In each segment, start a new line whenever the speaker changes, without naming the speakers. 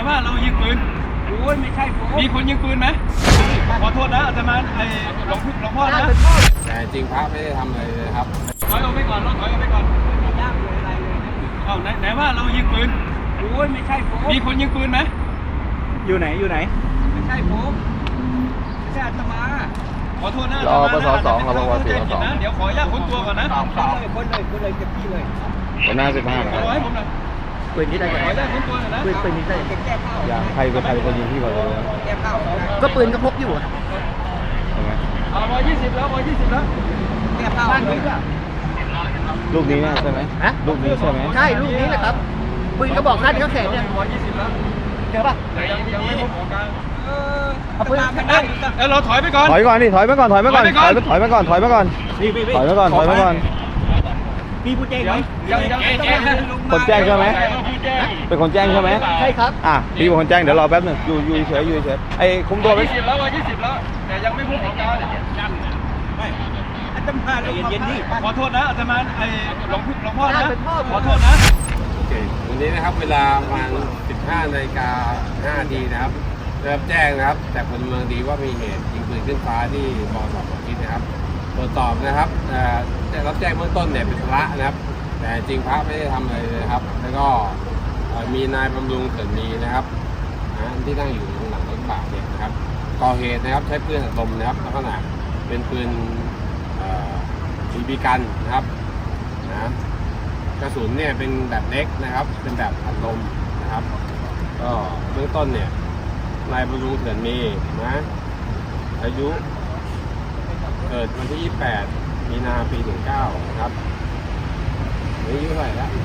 ว่าเรายิงปืน
โอ้ยไม่ใช่ผม
มีคนยิงปืนไหมขอโทษนะอาตมาหลวงพ่อนะ
แต่จริงพระไม่ได้ทำอะไรเลยครับ
ถอยออกไปก่อนถอยออกไปก่อน
ไม่ยากเลยอะไรเลยนะ
เอาไหนว่าเรายิงปืน
โอ้ยไม่ใช่ผม
มีคนยิงปืนไหม
อยู่ไหนไม่ใช่ผมไม่ใช่อาตมา
ขอโทษนะ
รอปสสองรอปสสอง
เดี๋ยวขออนุญาตค้นตัวก่อนนะ
คนเลยเก็บที่เลย
เป็นหน้า15นะ
ขอให้ผมหน่อย
ปืนนี้ได้
ขออนุญาตค้นตัวหน่อยนะ
ปืนนี้ได้แก้ผ้า
อย่างใครเป็นคนยิงพี่ก่อนเลย
แก้ผ้าก็ปืนก็พกอยู่อ่ะ
ใช่ไหม
120แล้ว120แล้ว
แก้ผ้าบ้านนี้ก็
ลูกนี้เนี่ยใช่ไหมลูกนี้ใช่ไหม
ใช่ลูกนี้แหละครับปืนก็บอกขั้นเขาแขนเนี่ย
120แล้ว
เจอป่ะ
ยังไม่พบของกลาง
เอาปืนไปได้
เราถอยไปก่อน
ถอยก่อนดิถอยไปก่อนถอยไปก่อนถอยไปก่อนถอยไปก่อนถอยไปก่อนถอยไปก่อน
มีผู้แจ้งไหม
คนแจ้งใช่ไหมเป็นคนแจ้งใช่ไหม
ใช่ครับ
พี่เป็นคนแจ้งเดี๋ยวรอแป๊บหนึงอยู่เฉยไอ้คุมตัวไป
120แล้ว120แล้วแต่ยังไม่พบของกลาง
ไม่อาตมาเย็นๆนี่
ขอโทษนะอาตมาหลวงพ่อนะขอโทษนะ
โอเควันนี้นะครับเวลาประมาณ 15:05 นาทีนะครับได้รับแจ้งนะครับจากพลเมืองดีว่ามีเหตุยิงปืนขึ้นฟ้าที่บสปคิดนะครับตรวจสอบนะครับได้รับแจ้งเบื้องต้นเนี่ยเป็นพระนะครับแต่จริงพระไม่ได้ทำอะไรเลยครับแล้วก็มีนายบำรุงเกิดมีนะครับที่นั่งอยู่ตรงหลังรถกระบะเนี่ยนะครับก่อเหตุนะครับใช้ปืนอัดลมนะครับลักษณะเป็นปืนบีบีกันนะครับกระสุนเนี่ยเป็นแบบเล็กนะครับเป็นแบบอัดลมนะครับก็เบื้องต้นเนี่ยนายบำรุงเถื่อนมีนะอายุเกิดวันที่ 28 มีนาปี 19นะครับอายุเท่าไหร่แล้ว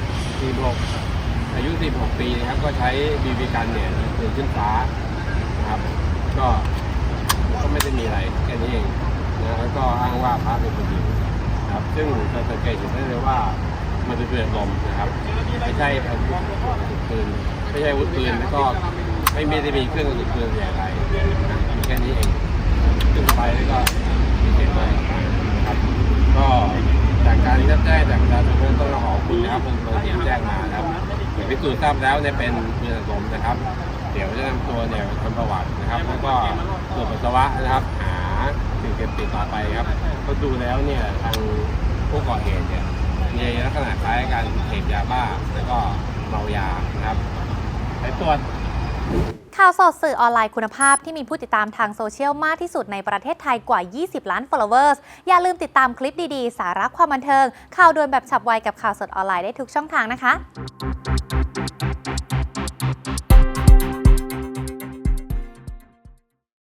46อายุ16 ปีนะครับก็ใช้บีบีกันเนี่ยยิงขึ้นฟ้านะครับก็ไม่ได้มีอะไรแค่นี้เองนะแล้วก็อ้างว่าพระเป็นคนยิงครับซึ่งเราสังเกตเห็นได้เลยว่ามันเป็นปืนลมนะครับไม่ใช่อาวุธปืนไม่ใช่อาวุธปืนแล้วก็ไม่ได้มีเครื่องกระสุนปืนอะไรนะมีแค่นี้เองขึ้นไปแล้วก็มีเสียงอะไรนะครับก็จากการที่รับแจ้งจากประชาชนเบื้องต้นเราขอบคุณนะครับคนที่แจ้งมาครับพิสูจน์ทราบแล้วเนี่ยเป็นปืนลมนะครับเดี๋ยวจะนำตัวเนี่ยทำประวัตินะครับแล้วก็ตรวจปัสสาวะนะครับหาสิ่งเสพติดต่อไปครับก็ดูแล้วเนี่ยทางผู้ก่อเหตุเนี่ยมีลักษณะคล้ายการเสพยาบ้าแล้วก็เมายานะครับไปตรวจ
ข่าวสดสื่อออนไลน์คุณภาพที่มีผู้ติดตามทางโซเชียลมากที่สุดในประเทศไทยกว่า 20 ล้าน followers อย่าลืมติดตามคลิปดีๆ สาระความบันเทิงข่าวด่วนแบบฉับไวกับข่าวสดออนไลน์ได้ทุกช่องทางนะคะ